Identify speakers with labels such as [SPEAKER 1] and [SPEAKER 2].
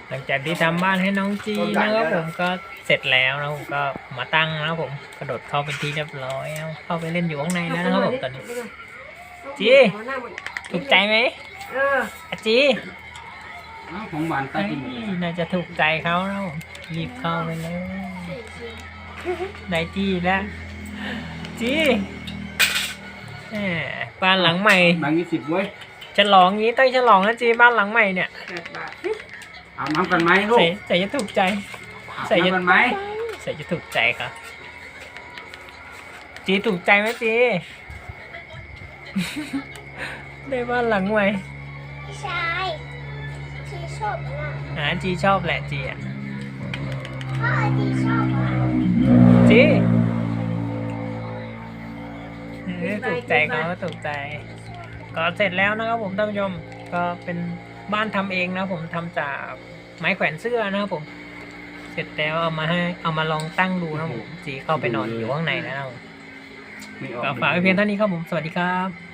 [SPEAKER 1] หลังจากที่ทำบ้านให้น้องจีนะครับผมก็เสร็จแล้วนะผมก็มาตั้งนะครับผมกระโดดเข้าเป็นที่เรียบร้อยแล้วเข้าไปเล่นอยู่ข้างในแล้วนะครับผมตอนนี้จีถูกใจไหมอาจี
[SPEAKER 2] ของหวานตากิน
[SPEAKER 1] น่าจะถูกใจเขาแล้วรีบเข้าไปเลยได้จีแล้วจีแหมบ้านหลังใหม่
[SPEAKER 2] บาง20เว้ย
[SPEAKER 1] ฉลองงี้ต้องฉลองนะจีบ้านหลังใหม่เนี่ย
[SPEAKER 2] อาบน้ำกันไหมลูก
[SPEAKER 1] ใส่จะถูกใจ
[SPEAKER 2] อาบ
[SPEAKER 1] ใส่จะ
[SPEAKER 2] น้ำกันไหม
[SPEAKER 1] ใส่จะถูกใจครับจีถูกใจไหมจี ได้บ้านหลังใหม่
[SPEAKER 3] ใช่ที่ชอบมาก
[SPEAKER 1] จีชอบแหละจีอ่ะ
[SPEAKER 3] พ่อที่ชอบมาก
[SPEAKER 1] จีถูกใจเขาถูกใจ ก็เสร็จแล้วนะครับผมท่านผู้ชมก็เป็นบ้านทำเองนะผมทำจากไม้แขวนเสื้อนะครับผม เสร็จแล้วเอามาลองตั้งดูนะผมจีเข้าไปนอนอยู่ข้างในแล้วนะผม
[SPEAKER 2] ไม่ออก
[SPEAKER 1] ก็ฝากไว้เพียงเท่านี้ครับผมสวัสดีครับ